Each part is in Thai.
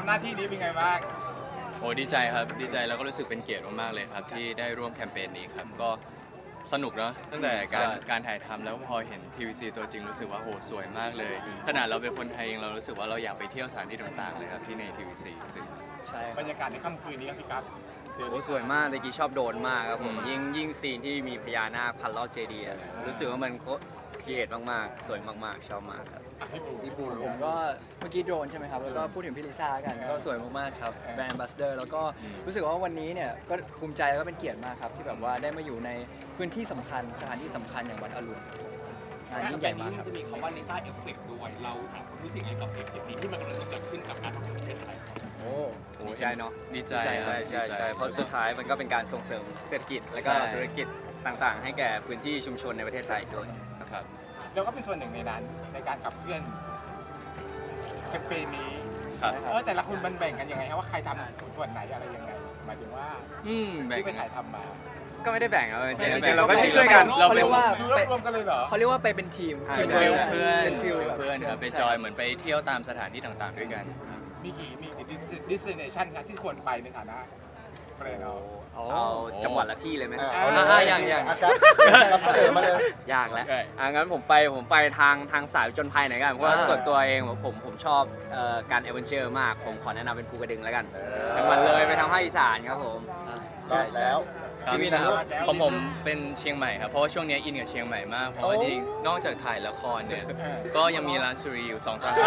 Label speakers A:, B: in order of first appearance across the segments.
A: หน้าที่นี้เป็นไงบ้าง
B: โอ้ดีใจครับดีใจแล้วก็รู้สึกเป็นเกียรติมากๆเลยครับที่ได้ร่วมแคมเปญนี้ครับก็สนุกเนาะตั้งแต่การถ่ายทำแล้วพอเห็น TVC ตัวจริงรู้สึกว่าโหสวยมากเลยขนาดเราเป็นคนไทยเองเรารู้สึกว่าเราอยากไปเที่ยวสถานที่ต่างๆเลยครับที่ใน TVC ซึ่ง
C: ใช่
A: บรรยากาศในค่ำคืนนี้ครับพี่กั๊บ
C: โอ้สวยมากตะกี้ชอบโดนมากครับผมยิ่งซีนที่มีพญานาคพันรอบเจดีย์รู้สึกว่ามันครีเอทมากๆสวยมากๆชอบมากครับ
A: พี่ปู
D: ผมก็เมื่อกี้โดรนใช่ไหมครับ แล้วก็พูดถึงพี่ลิซ่ากันก็สวยมากๆครับแบรนด์บัสเดอร์แล้วก็รู้สึกว่าวันนี้เนี่ยก็ภูมิใจแล้วก็เป็นเกียรติมากครับที่แบบว่าได้มาอยู่ในพื้นที่สำคัญสถานที่สำคัญอย่างวัดอรุณงานยิ่งใหญ่มากครับ
E: จะมีคำว่าลิซ่าเอฟเฟกต์ด้วยเราสามคนรู้สึกยังไงกับเอฟเฟกต์นี้ที่มันกำลังจะเกิดขึ้นกับการท่องเที่ยวประเทศไทย
C: โอ้โหใจเนาะ
B: ดีใจ
C: ใช่เพราะสุดท้ายมันก็เป็นการส่งเสริมเศรษฐกิจและก็ธุรกิจต่างๆ ให้แก่พื้นที่ชุมชนในประเทศไทยด้วย
B: ครับ
A: เราก็เป็นส่วนหนึ่งในนั้นในการขับเคลื่อนแคมเปญนี้
B: ครับ
A: แต่ละคนมันแบ่งกันยังไงครับว่าใครทำส่วนไหนอะไรยังไงหมายถึงว่า
B: แบ่ง
A: ที่ไปถ่ายทำมา
C: ก็ไม่ได้แบ่งเอาจริง
B: ไม่ได้แบ่ง
C: ๆเราก็ช่วยๆกัน
D: เขาเรียกว่า
A: ดูรวมกันเลยเหรอ
D: เขาเรียกว่าไปเป็นทีม
C: ใช่
D: ทีม
B: เพื่อน
D: เป็นฟิลแบบ
B: เพื่อนครับไปจอยเหมือนไปเที่ยวตามสถานที่ต่างๆด้วยกัน
A: มีกี่destination ครับที่ควรไปในฐานะแฟนเรา
C: เอาจังหวัดละที่เลยไหม
D: อย่าง
F: รับเสนอมาเลย
C: ยากแล้ว
B: ใช่
C: งั้นผมไปทางสายจนภัยหน่อยกันเพราะว่าส่วนตัวเองผมชอบการเอเวนเจอร์มากผมขอแนะนำเป็นภูกระดึงแล้วกัน จังหวัดเลยไปทางภาคอีสานครับผม
F: รอดแล้ว
B: ครับ
F: พี่วินนะครับ
B: ผมเป็นเชียงใหม่ครับเพราะว่าช่วงนี้อินกับเชียงใหม่มากเพราะว่า
F: โอ้
B: ที่นอกจากถ่ายละครเนี่ยก็ยังมีร้านสุรีอยู่2 สาขา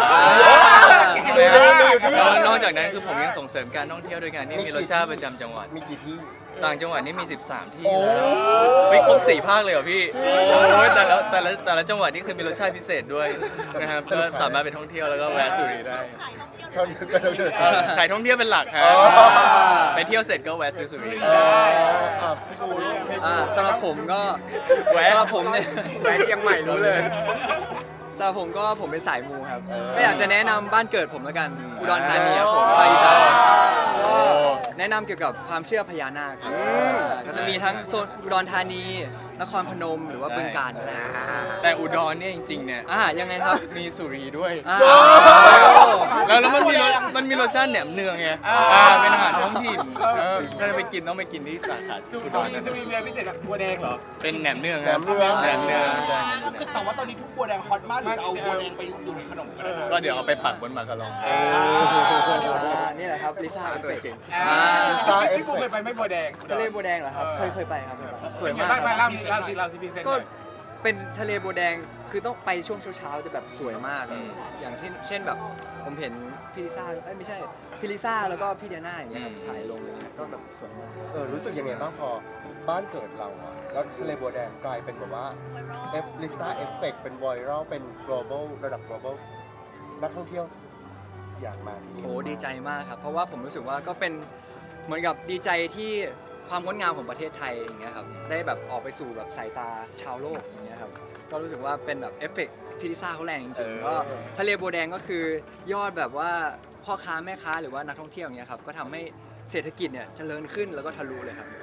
B: แล้วนอกจากนั้นคือผมยังส่งเสริมการท่องเที่ยวด้วยกันที่มีรสชาติประจำจังหวัด
F: มีกี่ที่
B: ต่างจังหวัดนี่มี 13 ที่
F: โอ้
B: ไม่ครบ4 ภาคเลยเหรอพี่โอ้ยแต่ละจังหวัดนี่คือมีรสชาติพิเศษด้วยนะครับก็สามารถไปท่องเที่ยวแล้วก็แวะสุรีได้
F: เขาเดิน
B: ขายท่องเที่ยวเป็นหลักครับ
F: อ๋อ
B: ไปเที่ยวเสร็จก็แวะซื้อสุรี
F: พี่ปู
D: สำหรับผมก็
C: แวะ
D: สำหรับผมเนี่ย
C: แวะเชียงใหม่รู้เลย
D: สำหรับผมก็ผมเป็นสายมูครับก็อยากจะแนะนำบ้านเกิดผมแล้วกันอุดรธานีครับผมภาคอีสานก็แนะนำเกี่ยวกับความเชื่อพญานาคครับก็จะมีทั้งโซนอุดรธานีนครพนมหรือว่าบึงกาฬ
B: แต่อุดรเนี่ยจริงๆเนี่ย
D: ยังไงครับ
B: มีสุรีด้วย
D: อ่า
B: แล้วมันมีรสชาติแหนมเนืองไงเป็นอาหารท้องถิ่นถ้าจะไปกินต้องไปกินที่สาขา
A: สุ
B: อุ
A: รี
B: ดร
A: สุรีเรือพิเศษบัวแดงเหรอ
B: เป็นแหนมเนืองครับแหนมเนืองใช่
E: แต่ว่าตอนนี้ทุกบัวแดงฮอตมากหรือจะเอาบัวแดงไปอยู่ในขนมก็ได้นะ
B: ก็เดี๋ยวเอาไปผักบนมาการอง
D: นี่แหละครับลิซ่าเอฟเฟกต์
A: พี่ปูเคยไปไหม่บัวแดง
D: ทะเลบัวแดงเหรอครับเคยไปครับสวย
A: เป็นไง
D: มาก
A: บ้าง
D: ครับ
A: เล่าสิพี่เซน
D: ก็เป็นทะเลบัวแดงคือต้องไปช่วงเช้าๆจะแบบสวยมาก อย่างเช่นแบบผมเห็นพี่ลิซ่าไม่ใช่พี่ลิซ่าแล้วก็พี่เดียน่าอย่างเงี้ยครับถ่ายลงอย่างเงี้ยก็แบบสวยมาก
F: รู้สึกยังไงบ้างพอบ้านเกิดเราอะแล้วทะเลบัวแดงกลายเป็นแบบว่าลิซ่าเอฟเฟกเป็นไวรัลเป็น global ระดับ global นักท่องเที่ยวอยากมาที่นี่
D: โอ้ดีใจมากครับ เพราะว่าผมรู้สึกว่าก็เป็นเหมือนกับดีใจที่ความงดงามของประเทศไทยอย่างเงี้ยครับได้แบบออกไปสู่แบบสายตาชาวโลกอย่างเงี้ยครับก็รู้สึกว่าเป็นแบบเอฟเฟกต์พี่ลิซ่าเขาแรงจริงๆก็ทะเลบัวแดงก็คือยอดแบบว่าพ่อค้าแม่ค้าหรือว่านักท่องเที่ยวอย่างเงี้ยครับก็ทำให้เศรษฐกิจเนี่ยเจริญขึ้นแล้วก็ทะลุเลยครับ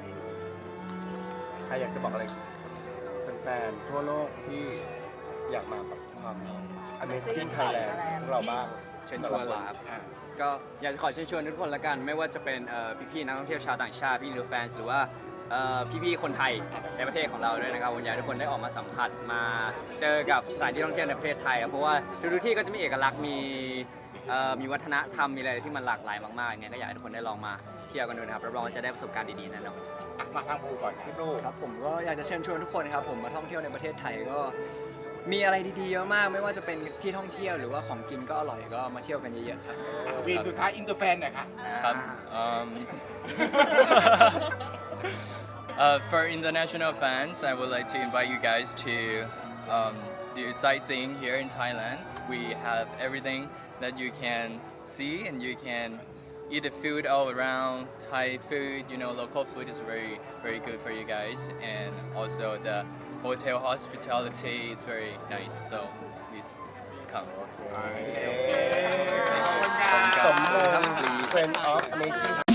F: ใครอยากจะบอกอะไรแฟนๆทั่วโลกที่อยากมากับความ Amazing Thailand ของเราบ้าง
C: เชิญชวนเหรอครับก็อยากจะขอเชิญชวนทุกคนละกัน ไม่ว่าจะเป็นพี่ๆนักท่องเที่ยวชาวต่างชาติพี่นิวแฟนหรือว่าพี่ๆคนไทยในประเทศของเราด้วยนะครับผมอยากให้ทุกคนได้ออกมาสัมผัสมาเจอกับสถานที่ท่องเที่ยวในประเทศไทยครับเพราะว่าทุกที่ก็จะมีเอกลักษณ์มีวัฒนธรรมมีอะไรที่มันหลากหลายมากๆไงก็อยากให้ทุกคนได้ลองมาเที่ยวกันดูนะครับรับรองว่าจะได้ประสบการณ์ดีๆแน่นอน
A: มาทางปูก่อน
F: พี่ปู
D: ครับผมก็อยากจะเชิญชวนทุกคนนะครับผมมาท่องเที่ยวในประเทศไทยก็มีอะไรดีๆเยอะมากไม่ว่าจะเป็นที่ท่องเที่ยวหรือว่าของกินก็อร่อยก็มาเที่ยวกันเยอะๆครับ
A: วีนสุดท้ายอินเตอร์แฟนหน่อยค่ะ
B: ครับ For international fans, I would like to invite you guys to do sightseeing here in Thailand. We have everything that you can see and you can eat the food all around. Thai food, local food is very, very good for you guys. And also the hotel hospitality is very nice. So please come.
F: สมมติ Friend of Amazing